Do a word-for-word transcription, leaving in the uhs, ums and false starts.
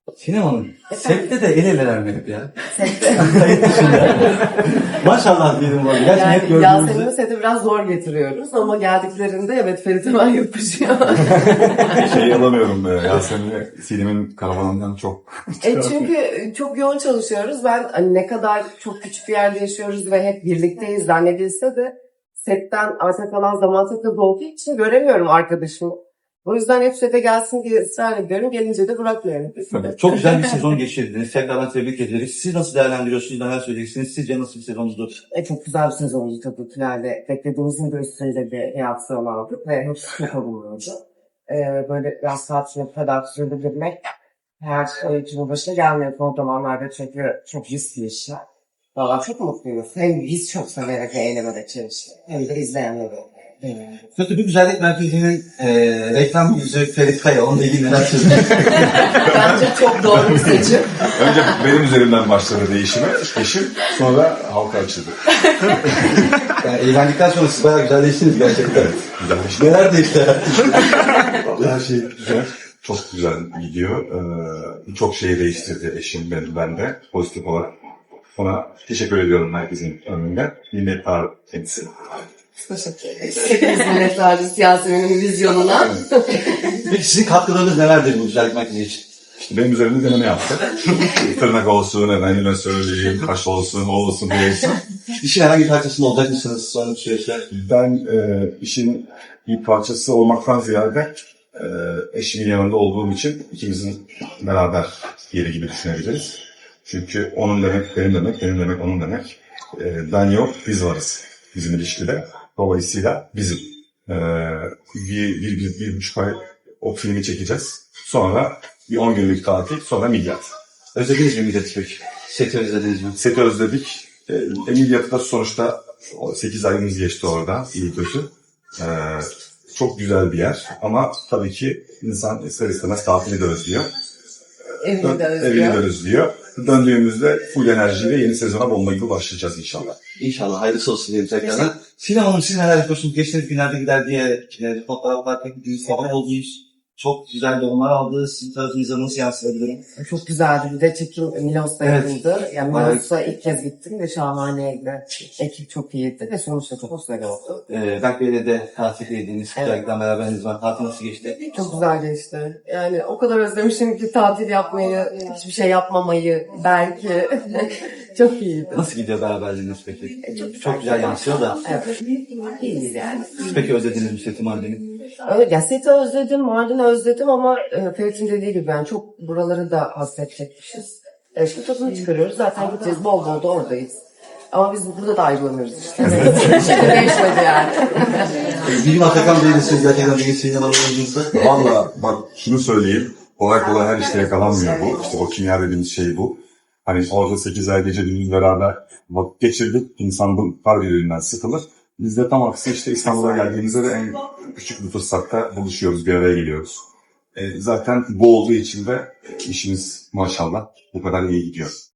Sinem Hanım, sette de el eleler mi hep ya? Sette. Kayıt dışında. Maşallah diyelim bu arada. Gerçekten hep Yani Yasemin'i gördüğümüzde. sete biraz zor getiriyoruz ama geldiklerinde evet Ferit hemen yapışıyor. Şey alamıyorum be. Yasemin'i Sinem'in karavanından çok... e çünkü çok yoğun çalışıyoruz. Ben hani ne kadar çok küçük bir yerde yaşıyoruz ve hep birlikteyiz zannedilse de setten arta kalan zaman çok az olduğu için göremiyorum arkadaşımı. O yüzden hep sete gelsin diye ısrar ediyorum. Gelince de bırakmıyorum. Çok güzel bir sezon geçirdiniz. Tekrardan tebrik ederiz. Siz nasıl değerlendiriyorsunuz? Neler söyleyeceksiniz? Sizce nasıl bir sezondu? E, çok güzel bir sezondu tabii finalde. Beklediğimizin de üstünde bir reaksiyon aldık ve hepsi çok olumluydu. E, böyle biraz saatini kadar sürdürmek her oyuncunun başına gelmiyor son zamanlarda çünkü çok riskli işler. Valla çok mutluyuz. Hem biz çok severek ve eğlenerek çalıştık. Hem de izleyenleri. Kötü bir güzellik merkezinin e, reklam yüzü Ferit Kaya. Onunla ilgili neler söyleyeceksiniz? Bence çok doğru bir seçim. Önce benim üzerimden başladı değişime. Eşim sonra halka açıldı. Yani evlendikten sonra siz bayağı güzelleştiniz gerçekten. Güzelleşti. Neler değişti? Vallahi her şey güzel. Çok güzel gidiyor. Ee, çok şey değiştirdi eşim ben, ben de pozitif olarak. Ona teşekkür ediyorum herkesin önünde. Minnettar kendisi. Teşekkür ederiz. Hepimiz minnettarız Yasemin'in vizyonuna. Peki sizin katkılarınız nelerdir bu güzellik merkezi için? İşte benim üzerimde deneme yaptı. Tırnak olsun, efendime söyleyeyim, kaş olsun, o olsun, bu olsun. İşin herhangi bir parçasında olacak mısınız sonra bir süreçte? Ben e, işin bir parçası olmaktan ziyade e, eşimin yanında olduğum için ikimizin beraber yeri gibi düşünebiliriz. Çünkü onun demek benim demek, benim demek onun demek. E, ben yok, biz varız bizim ilişkide. Dolayısıyla bizim. E, bir, bir, bir, bir buçuk ay o filmi çekeceğiz. Sonra bir on günlük tatil, sonra Midyat. Özlediniz mi Midyat'ı peki? Seti özlediniz mi? Seti özledik. E, Midyat'ta da sonuçta sekiz ayımız geçti orada, iyi kötü. E, çok güzel bir yer ama tabii ki insan ister istemez tatili de özlüyor. Evini de özlüyor. Evini de özlüyor. Döndüğümüzde full enerjiyle yeni sezona bomba gibi başlayacağız inşallah. İnşallah hayırlısı olsun diyelim tekrardan. Sinem Hanım siz neler yapıyorsunuz? Geçtiğiniz günlerde gider diye e, fotoğraf bakarken bir sabah oldunuz. Çok güzel yorumlar aldı. Sizin tarafınıza nasıl yansıyabilirim? Çok güzeldi. Bir de çekim Milos'ta Evet. yapıldı. Yani Bayağı- Milos'a ilk kez gittim ve şahaneydi. Ekip çok iyiydi ve sonuçta çok güzel oldu. Ee, Berk Bey'le de tatil yediğiniz, Evet. güzellikten beraberiniz var. Tatil nasıl geçti? Çok güzel geçti. Yani o kadar özlemişim ki tatil yapmayı, hiçbir şey yapmamayı belki. Çok iyiydi. Nasıl gidiyor beraberliğiniz peki? Çok, Çok güzel yansıyor da. Evet. İyiyiz yani. Siz peki özlediniz mi seti Mardin'i? Evet, ya seti özledim, Mardin'i özledim ama e, Ferit'in dediği gibi yani çok buraları da hasredecekmişiz. E, şimdi tadını çıkarıyoruz. Zaten gideceğiz. Bol bol da oradayız. Ama biz burada da ayrılamıyoruz işte. Hiçbir şey de değişmedi yani. Bilim Atakan Bey'le siz gerçekten bir Sinem Hanım oyuncunuzda. Valla bak şunu söyleyeyim. Kolay kolay her işte yakalanmıyor bu. İşte o kimya dediğimiz şey bu. Hani orada sekiz ay gece gündüz beraber vakit geçirdik. İnsan bu par birbirinden sıkılır. Biz de tam aksi işte İstanbul'a geldiğimizde de en küçük bir fırsatta buluşuyoruz, bir araya geliyoruz. E, zaten bu olduğu için de işimiz maşallah bu kadar iyi gidiyor.